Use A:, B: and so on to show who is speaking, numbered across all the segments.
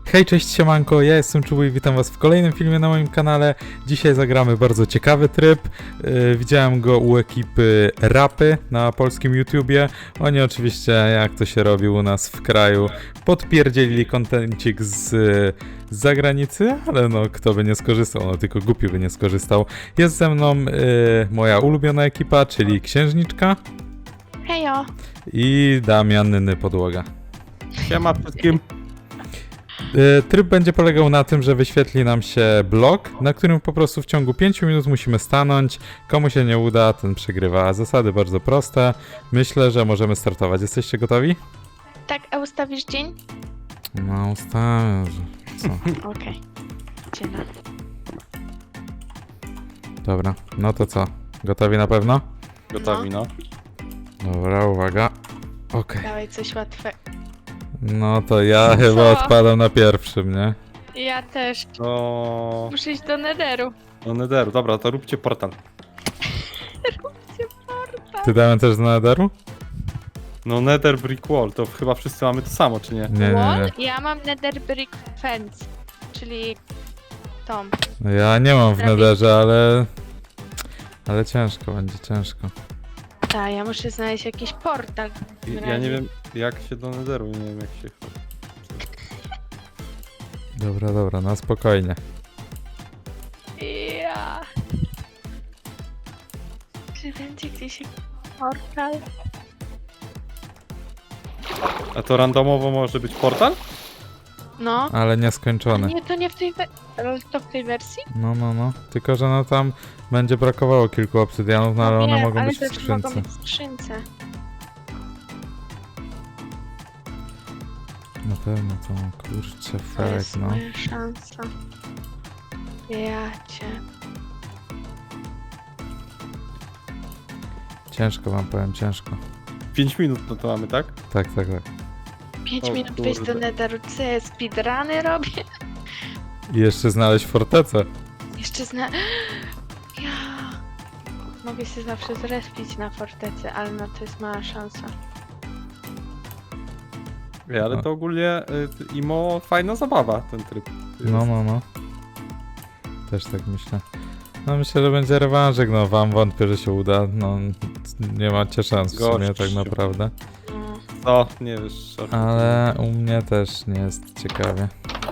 A: Hej, cześć, siemanko, ja jestem Czubu i witam was w kolejnym filmie na moim kanale. Dzisiaj zagramy bardzo ciekawy tryb. Widziałem go u ekipy Rapy na polskim YouTubie. Oni oczywiście, jak to się robi u nas w kraju, podpierdzielili kontencik z zagranicy, ale no kto by nie skorzystał, no tylko głupi by nie skorzystał. Jest ze mną moja ulubiona ekipa, czyli Księżniczka
B: Hejo!
A: i Damian Podłoga.
C: Siema wszystkim.
A: Tryb będzie polegał na tym, że wyświetli nam się blok, na którym po prostu w ciągu 5 minut musimy stanąć. Komu się nie uda, ten przegrywa. Zasady bardzo proste. Myślę, że możemy startować. Jesteście gotowi?
B: Tak, a ustawisz dzień?
A: No, ustawiam, że... Co?
B: Okej. Dziena.
A: Dobra, no to co? Gotowi na pewno?
C: Gotowi, no.
A: Dobra, uwaga. Okej.
B: Dawaj coś łatwego.
A: No to ja chyba odpadam na pierwszym, nie?
B: Ja też.
C: No,
B: Muszę iść do Netheru.
C: no Netheru, dobra, to róbcie portal.
A: Ty Damian też z Netheru?
C: No Nether Brick Wall, to chyba wszyscy mamy to samo, czy nie?
A: Nie.
B: Wall? Ja mam Nether Brick Fence, czyli Tom.
A: No ja nie mam w
B: Prawie.
A: Netherze, ale... Ale ciężko, będzie ciężko.
B: Tak, ja muszę znaleźć jakiś portal.
C: Ja nie wiem jak się do Netheru, nie wiem jak się...
A: Dobra, na spokojnie.
B: Ja. Czy będzie gdzieś jakiś portal?
C: A to randomowo może być portal?
B: No.
A: Ale nieskończone.
B: Nie, to nie w tej ale to w tej wersji?
A: No. Tylko, że no tam będzie brakowało kilku obsydianów, no ale one
B: Wiem,
A: mogą
B: ale
A: być w
B: też
A: skrzynce.
B: mogą być w skrzynce.
A: Na pewno to, kurczę,
B: To
A: felek,
B: jest
A: no.
B: moja szansa. Ja cię.
A: Ciężko wam powiem, ciężko.
C: 5 minut no to mamy, tak?
A: Tak.
B: 5
C: O
B: minut wyjść do
C: kurde.
B: Netheru. Co ja speedruny robię?
A: I jeszcze znaleźć fortecę.
B: Jeszcze Ja... Mogę się zawsze zrespić na fortecy, ale no to jest mała szansa.
C: Ej, ale
A: No.
C: to ogólnie imo fajna zabawa, ten tryb.
A: No. Też tak myślę. No myślę, że będzie rewanżyk, no wam wątpię, że się uda. No nie macie szans w sumie tak
C: Gościu.
A: naprawdę.
B: No.
C: O, nie wiesz.
A: Ale u mnie też nie jest ciekawie.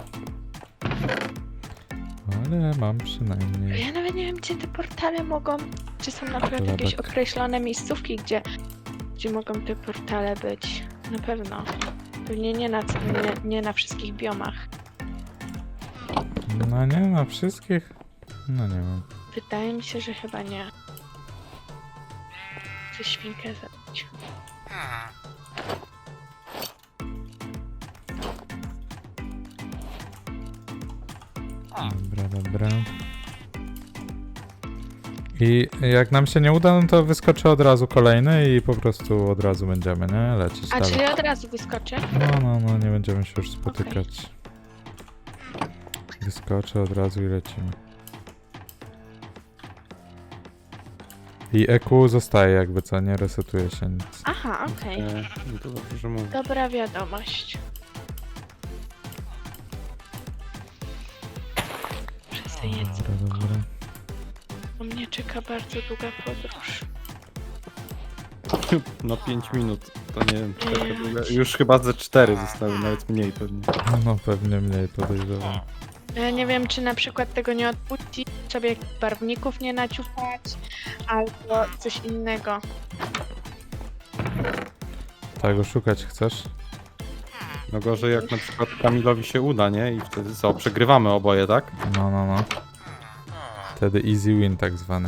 A: Ale mam przynajmniej.
B: Ja nawet nie wiem, gdzie te portale mogą... Czy są na przykład jakieś
A: Chlebek.
B: określone miejscówki, gdzie mogą te portale być? Na pewno. Pewnie nie na wszystkich biomach.
A: No nie na wszystkich. No nie wiem.
B: Wydaje mi się, że chyba nie. Chcę świnkę zabić.
A: Dobra. I jak nam się nie uda, no to wyskoczy od razu kolejny i po prostu od razu będziemy, nie? Lecieć
B: A
A: dalej.
B: czyli od razu wyskoczy?
A: No, nie będziemy się już spotykać. Wyskoczy od razu i lecimy. I EQ zostaje jakby co, nie resetuje się nic.
B: Aha, okej.
C: No to dobrze, że mówię.
B: Dobra wiadomość. Wszyscy jedzą.
A: Dobra.
B: U mnie czeka bardzo długa podróż.
C: No 5 minut, to nie wiem czy taka długa. Już chyba ze 4 zostały, nawet mniej pewnie.
A: No pewnie mniej podejrzewam.
B: Ja nie wiem, czy na przykład tego nie odpuścić, sobie barwników nie naciupać, albo coś innego.
A: Tak, szukać chcesz?
C: No gorzej jak na przykład Kamilowi się uda, nie? I wtedy co, przegrywamy oboje, tak?
A: No. Wtedy easy win tak zwany.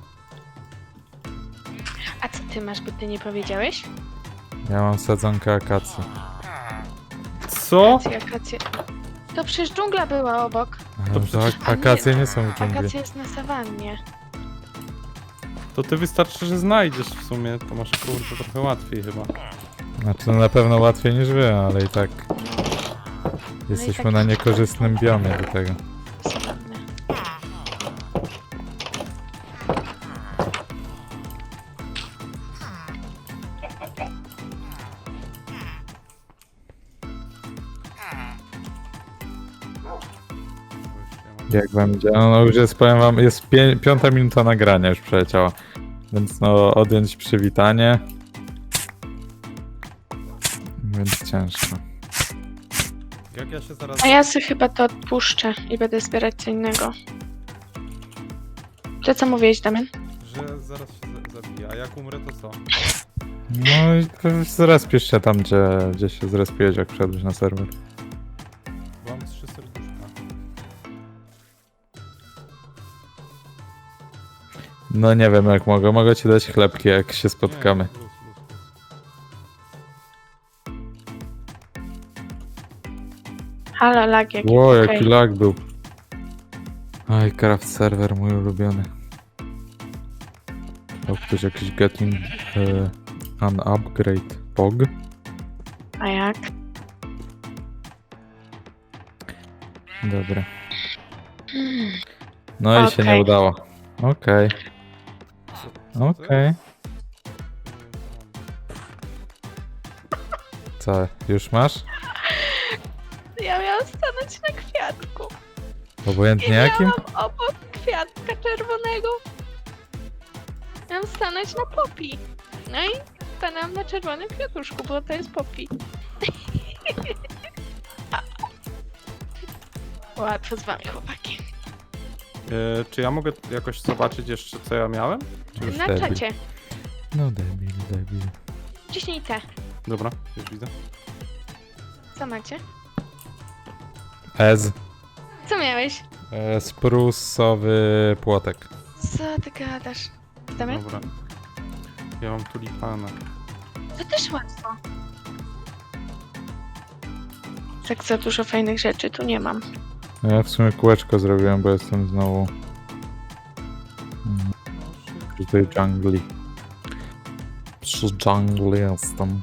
B: A co ty masz, bo ty nie powiedziałeś?
A: Ja mam sadzonkę akacji.
C: Co?
B: Akacje. To przecież dżungla była obok.
A: Ale
C: To
A: to
C: przecież-
A: akacje nie są w dżungli.
B: Akacja jest na sawannie.
C: To ty wystarczy, że znajdziesz w sumie, to masz kurde trochę łatwiej chyba.
A: Znaczy no na pewno łatwiej niż wy, ale i tak jesteśmy
B: tak-
A: na niekorzystnym biomie do tego.
B: Sawanny.
A: Jak będzie? No już jest, powiem wam, jest 5 minuta nagrania już przeleciała. Więc no, odjąć przywitanie. Więc ciężko.
C: Jak ja się zaraz...
B: A ja sobie chyba to odpuszczę i będę zbierać co innego. To co mówiłeś, Damian?
C: Że zaraz się zabije, a jak umrę to co?
A: No i to zrespisz się tam, gdzie się zrespiłeś, jak wszedłeś na serwer.
C: Bo mam 3 serduszka.
A: No nie wiem jak mogę. Mogę ci dać chlebki, jak się spotkamy.
C: Nie, luz, luz, luz.
B: Halo, lag jaki.
A: Ło,
B: okej.
A: jaki lag był. Oj, craft serwer, mój ulubiony. O, ktoś jakiś getting an upgrade pog.
B: A jak?
A: Dobra. No i się nie
B: Okej.
A: udało. Okej.
C: Co to
A: Okej.
C: jest?
A: Co, już masz?
B: Ja miałam stanąć na kwiatku.
A: Obojętnie jakim?
B: Miałam obok kwiatka czerwonego. Miałam stanąć na popi. No i stanęłam na czerwonym kwiatuszku, bo to jest popi. Łatwo z wami, chłopaki.
C: Czy ja mogę jakoś zobaczyć jeszcze co ja miałem? Czy już...
B: Na
A: debil.
B: czacie.
A: No debil, debil.
B: Ciśnij te.
C: Dobra, już widzę.
B: Co macie?
A: Ez.
B: Co miałeś?
A: Sprusowy płotek.
B: Co ty gadasz? Damian?
C: Dobra. Ja mam tulipana.
B: To też łatwo. Tak za dużo fajnych rzeczy tu nie mam.
A: Ja w sumie kółeczko zrobiłem, bo jestem znowu przy tej dżungli. Przy dżungli jestem.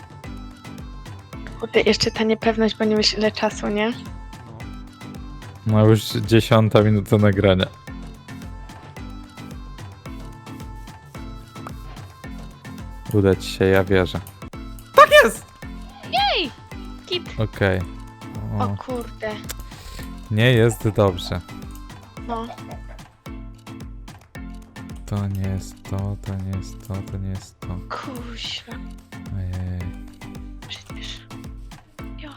B: Kurde, jeszcze ta niepewność, bo nie wiesz ile czasu, nie?
C: No.
A: No już 10 minuta nagrania. Uda ci się, ja wierzę.
C: Tak jest!
B: Kit!
A: Okej.
B: O
A: O,
B: kurde.
A: nie jest dobrze.
B: No.
A: To nie jest to, to nie jest to, to nie jest to.
B: Kuźwa.
A: Ojej.
B: Przecież. Jo.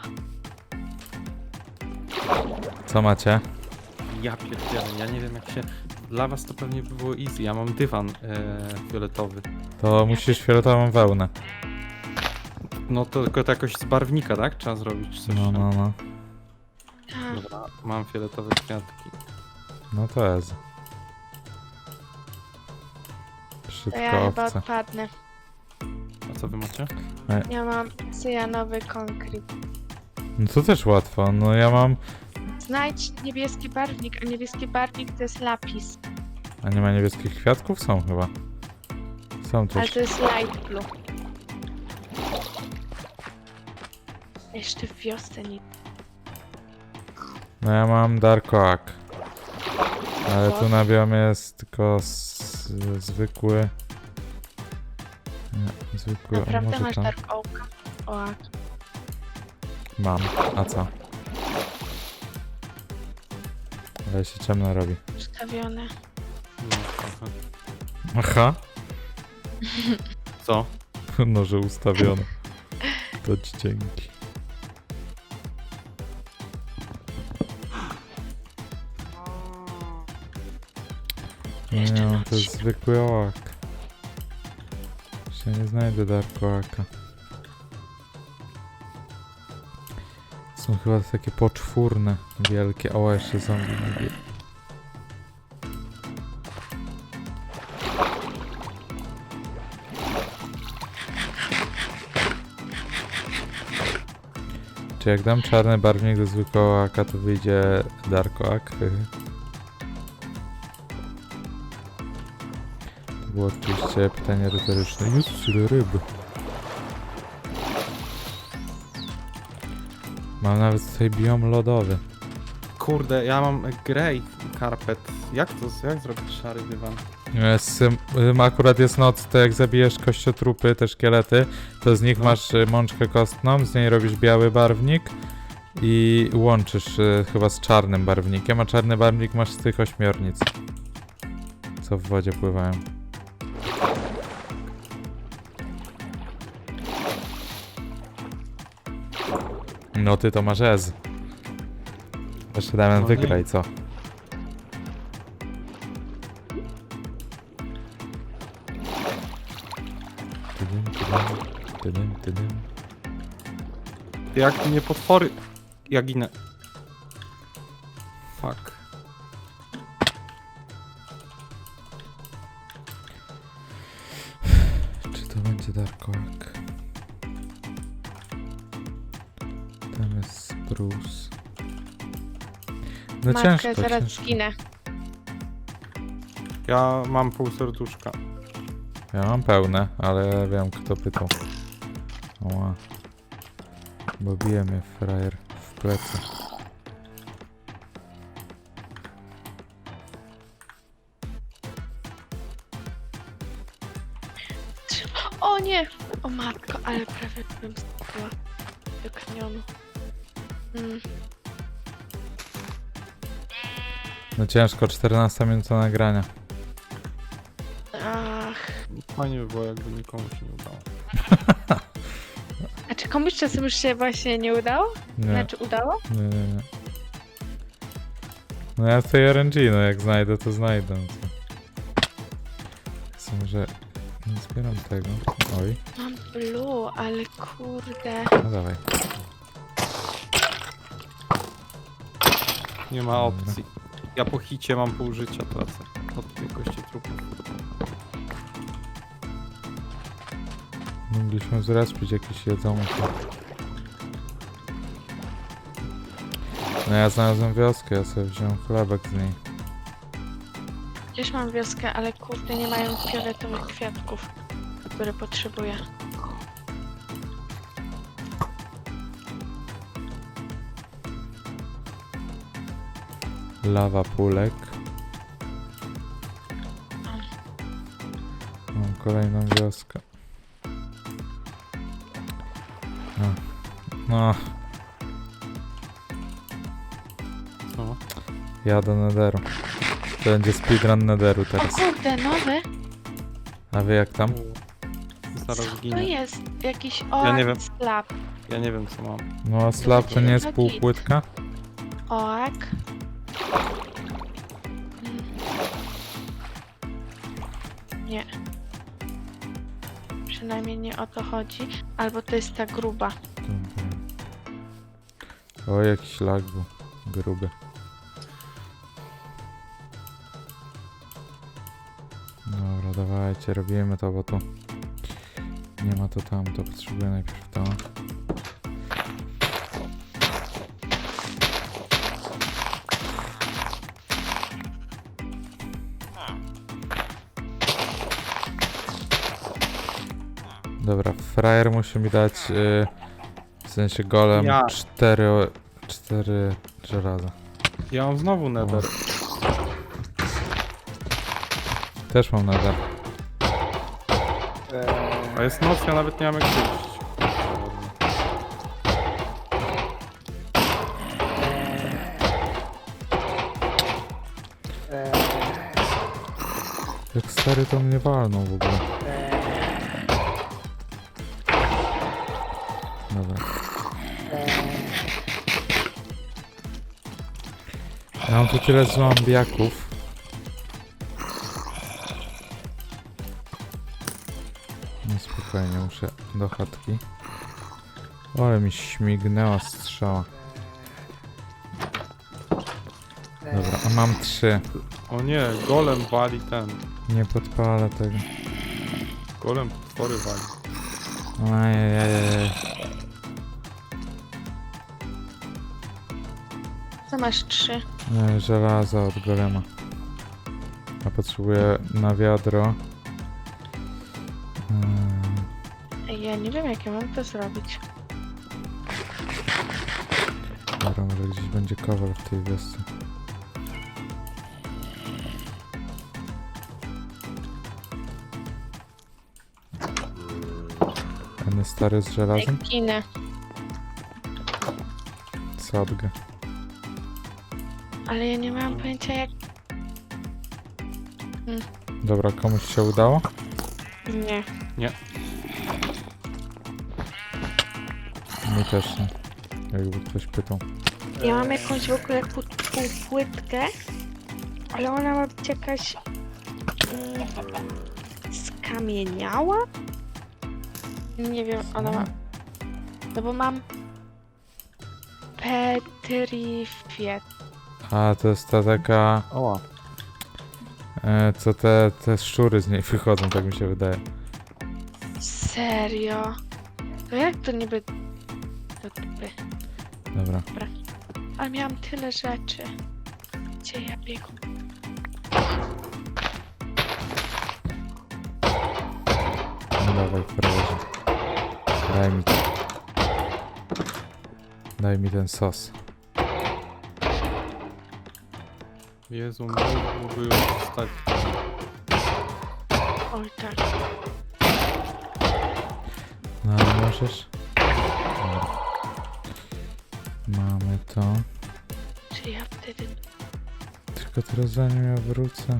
A: Co macie?
C: Ja pierdzielę, ja nie wiem jak się... Dla was to pewnie by było easy, ja mam dywan fioletowy.
A: To musisz fioletową wełnę.
C: No to tylko to jakoś z barwnika, tak? Trzeba zrobić coś.
A: No, no, no.
B: A,
C: Dobra, mam fioletowe kwiatki.
A: No to jest.
B: to
A: Brzydka
B: ja chyba
A: owca.
B: odpadnę.
C: A co wy macie?
B: Ja mam cyjanowy konkret.
A: No to też łatwo. No ja mam...
B: Znajdź niebieski barwnik, a niebieski barwnik to jest lapis.
A: A nie ma niebieskich kwiatków? Są chyba. Są
B: Ale
A: też.
B: to jest light blue. Jeszcze w wiosce nic.
A: No ja mam Dark Oak. Ale
B: O.
A: tu na biomie jest tylko zwykły... Nie, zwykły... o,
B: Naprawdę
A: może
B: masz
A: tam.
B: dark oaka? Oak.
A: Mam. A co? Ale się ciemno robi.
B: Ustawione.
C: No, trochę.
A: Aha.
C: Co?
A: No, że ustawione. To ci dzięki.
B: Jeszcze
A: Nie,
B: noc.
A: to jest zwykły oak. Się nie znajdę Dark Oaka. Są chyba takie poczwórne, wielkie. O, jeszcze zombie nie wie. Czy jak dam czarny barwnik do zwykłego oaka, to wyjdzie Dark Oak? To było oczywiście pytanie retoryczne. Jest tyle ryb. Mam nawet tutaj biom lodowy.
C: Kurde, ja mam grey carpet. Jak zrobić szary dywan?
A: Akurat jest noc, to jak zabijesz kościotrupy, te szkielety, to z nich
C: No.
A: masz mączkę kostną, z niej robisz biały barwnik i łączysz chyba z czarnym barwnikiem, a czarny barwnik masz z tych ośmiornic, co w wodzie pływają. No ty to masz Ez. Jeszcze Damian
C: No nie.
A: wygraj, co? Tydym, tydym, tydym, tydym.
C: Jak mnie potwory... Ja ginę. Fuck.
A: Czy to będzie Dark Oak? Tam jest Spruce. No
B: Matkę,
A: ciężko,
B: zaraz
A: ciężko.
B: zginę.
C: Ja mam pół serduszka.
A: Ja mam pełne, ale wiem kto pytał. Oła. Bo bije mnie frajer w plecy.
B: O nie! O matko, ale prawie bym spadła do kanionu.
A: No ciężko, 14 minuta nagrania.
B: Ach.
C: Fajnie by było, jakby nikomu się nie udało.
B: A czy komuś czasem już się właśnie nie udało?
A: Nie,
B: Znaczy udało?
A: nie. No ja w tej RNG, no jak znajdę, to znajdę. No to... Chcę, że nie zbieram tego. Oj,
B: Mam blue, ale kurde.
A: no dawaj.
C: Nie ma opcji. Ja po hicie mam pół życia tracę. Od tej kości trupów.
A: Mogliśmy zrespić jakieś jedzonko. No ja znalazłem wioskę, ja sobie wziąłem chlebek z niej.
B: Gdzieś mam wioskę, ale kurde nie mają fioletowych kwiatków, które potrzebuję.
A: Lawa pulek. Mam kolejną wioskę. No,
C: Co?
A: jadę do Netheru. To będzie speedrun Netheru
B: O
A: teraz.
B: kurde, nowy?
A: A wy jak tam?
C: Zaraz
B: To
C: ginę.
B: jest jakiś
C: Ja nie wiem.
B: slab.
C: Ja nie wiem co mam.
A: No a slab to nie jest
B: Git.
A: półpłytka?
B: Oak. Nie. Przynajmniej nie o to chodzi. Albo to jest ta gruba.
A: Dobra. O, jakiś lag był. Gruby. Dobra, dawajcie, robimy to, bo tu nie ma to tam, to potrzebuję najpierw to. Dobra, frajer musi mi dać, w sensie golem,
C: Ja.
A: 4 żelaza.
C: Ja mam znowu nether.
A: Też mam nadal.
C: A jest noc, ja nawet nie mam jak wyjść.
A: Jak stary to mnie walnął w ogóle. Dobra. Ja mam tu tyle zombiaków. No spokojnie, muszę do chatki. O, ale mi śmignęła strzała. Dobra, a mam 3.
C: O nie, golem wali ten.
A: Nie podpalę tego.
C: Golem potwory wali.
A: Ajajajaj.
B: Co masz 3?
A: Żelaza od golema. Ja potrzebuję na wiadro.
B: Ja nie wiem jak ja mam to zrobić.
A: Dobra, może gdzieś będzie kowal w tej wiosce. Ten stary z żelazem?
B: Ginę.
A: Co? sadgę.
B: Ale ja nie mam pojęcia jak...
A: Dobra, komuś się udało?
B: Nie.
A: Mi też nie. Jakby ktoś pytał.
B: Ja mam jakąś w ogóle półpłytkę, ale ona ma być jakaś... skamieniała? Nie wiem, ona ma... No bo mam... Petrified.
A: A, to jest ta taka...
C: Oła.
A: Co te szczury z niej wychodzą, tak mi się wydaje.
B: Serio? To jak to niby... Do dupy.
A: Dobra.
B: Ale miałam tyle rzeczy. Gdzie ja biegam?
A: No dawaj, frajerze. Daj mi to. Daj mi ten sos.
C: Jezu, mógłby już stać.
B: Oj tak.
A: No ale możesz? Dobra. Mamy to.
B: Czy ja wtedy...
A: Tylko teraz zanim ja wrócę.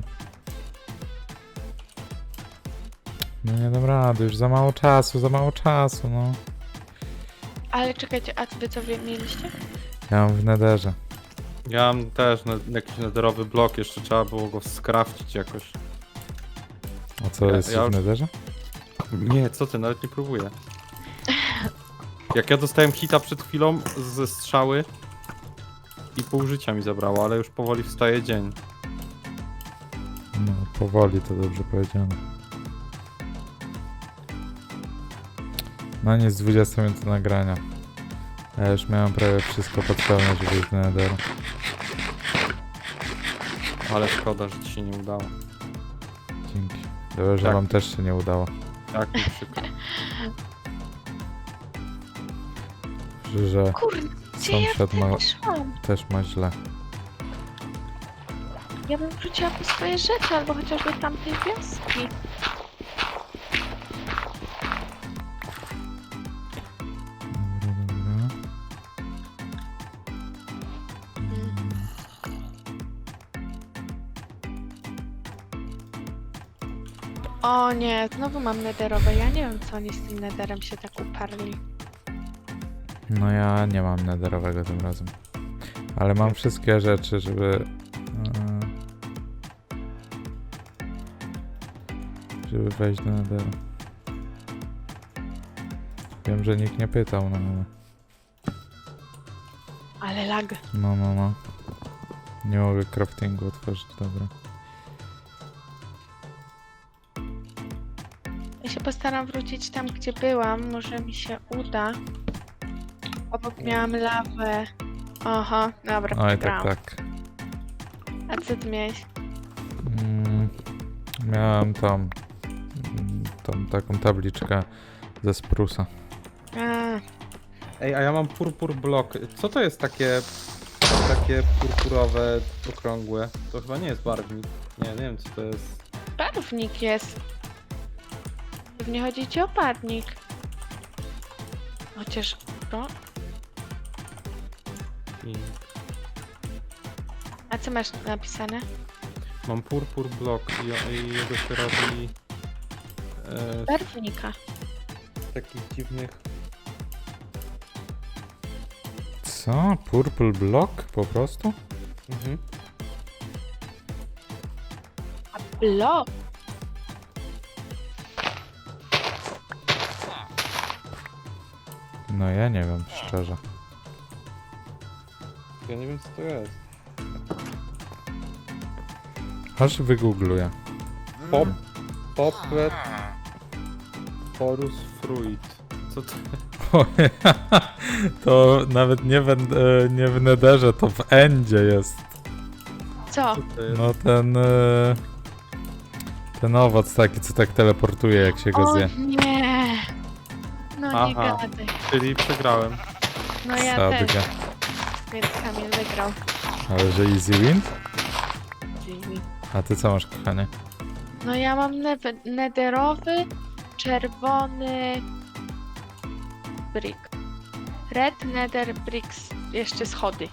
A: No nie dam rady, już za mało czasu, no.
B: Ale czekajcie, a wy co mieliście?
A: Ja mam w nederze.
C: Ja mam też jakiś nederowy blok, jeszcze trzeba było go skrafcić jakoś.
A: A co,
C: Ja-
A: jest
C: ja
A: w
C: już-
A: nederze?
C: Nie, co ty, nawet nie próbuję. Jak ja dostałem hita przed chwilą ze strzały i pół życia mi zabrało, ale już powoli wstaje dzień.
A: No, powoli to dobrze powiedziane. No nic, 20 minut nagrania. Ja już miałem prawie wszystko potrzebne, żeby iść do nederu.
C: Ale szkoda, że ci się nie udało.
A: Dzięki. Dobrze, że
C: Tak.
A: wam też się nie udało.
C: Tak mi przykro.
A: Że
B: Kurde, gdzie ja
A: sąsiad ma,
B: wtedy szłam?
A: też ma źle.
B: Ja bym wróciła po swoje rzeczy, albo chociażby tamtej wioski.
A: Dobra.
B: O nie, znowu mam nederowe. Ja nie wiem, co oni z tym nederem się tak uparli.
A: No ja nie mam nederowego tym razem. Ale mam wszystkie rzeczy, żeby wejść do nederu. Wiem, że nikt nie pytał, no ale...
B: Ale lag.
A: No. Nie mogę craftingu otworzyć, dobra.
B: Ja się postaram wrócić tam, gdzie byłam. Może mi się uda. Obok miałam lawę. Oho, dobra,
A: Oj,
B: przegrałam.
A: tak.
B: A co ty miałeś?
A: Miałem tam tą taką tabliczkę ze sprusa.
B: A,
C: Ej, a ja mam purpur blok. Co to jest takie purpurowe, okrągłe? To chyba nie jest barwnik. Nie wiem co to jest.
B: barwnik jest. Pewnie chodzi ci o barwnik. Chociaż to...
C: I
B: A co masz napisane?
C: mam purpur blok i jego się robi
B: Barwnika.
C: z takich dziwnych.
A: Co? Purple block? Po prostu?
C: Mhm.
B: A blok?
A: No ja nie wiem, szczerze.
C: Ja nie wiem co to jest.
A: Aż wygoogluję.
C: Poplet Porus fruit. Co to?
A: To nawet nie w nederze, to w endzie jest.
B: Co?
C: To jest?
A: No ten owoc taki, co tak teleportuje, jak się go
B: O
A: zje.
B: nie! No nie
C: Aha.
B: gadaj.
C: Czyli przegrałem.
B: No ja
A: Sadgę.
B: też, więc Kamil wygrał.
A: Ale że easy win?
B: Dziwi.
A: A ty co masz, kochanie?
B: No ja mam nederowy, czerwony brick. Red nether bricks jeszcze schody.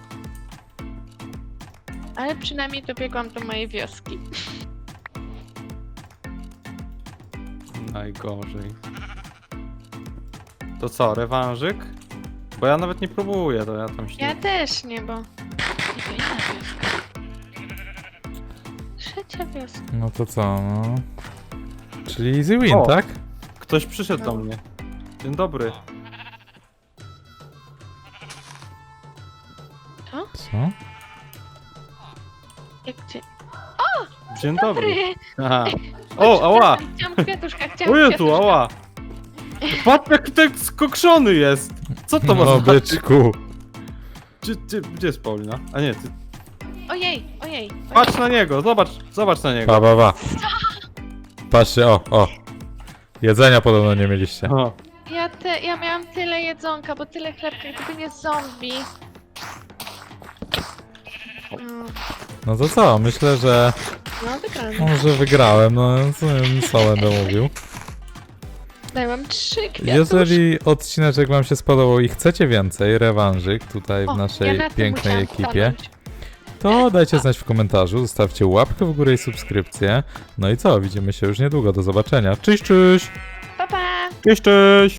B: Ale przynajmniej dobiegłam do mojej wioski.
C: Najgorzej. To co, rewanżyk? Bo ja nawet nie próbuję, to ja tam się...
B: Ja też nie, bo... I to inna wioska. Trzecia wioska.
A: No to co, no. Czyli easy win,
C: O.
A: tak?
C: Ktoś przyszedł do
B: No.
C: mnie. Dzień dobry.
A: Co?
B: Jak gdzie?
C: Dzień dobry.
B: Dobry!
C: Aha. O, ała!
B: Chciałam kwiatuszka, chciałam
C: O Jezu,
B: kwiatuszka.
C: ała! Patrz jak ten skokszony jest! Co to ma
A: No,
C: znaczyć?
A: byczku.
C: Gdzie jest Paulina? A nie, ty.
B: Ojej, ojej.
C: Patrz na niego, zobacz na niego.
A: Pa, pa, pa. Patrzcie, o. Jedzenia podobno nie mieliście.
C: O,
B: Ja miałam tyle jedzonka, bo tyle chlebka, gdyby nie zombie.
A: No to co, myślę, że
B: No, wygrałam.
A: może wygrałem, no co będę mówił.
B: Dałam 3 kwiatuszki.
A: Jeżeli odcineczek wam się spodobał i chcecie więcej, rewanżyk tutaj w
B: O,
A: naszej
B: ja na tym
A: pięknej
B: musiałam
A: ekipie,
B: stanąć.
A: to dajcie znać w komentarzu, zostawcie łapkę w górę i subskrypcję. No i co, widzimy się już niedługo, do zobaczenia. Cześć, cześć!
B: Pa, pa!
C: cześć, cześć!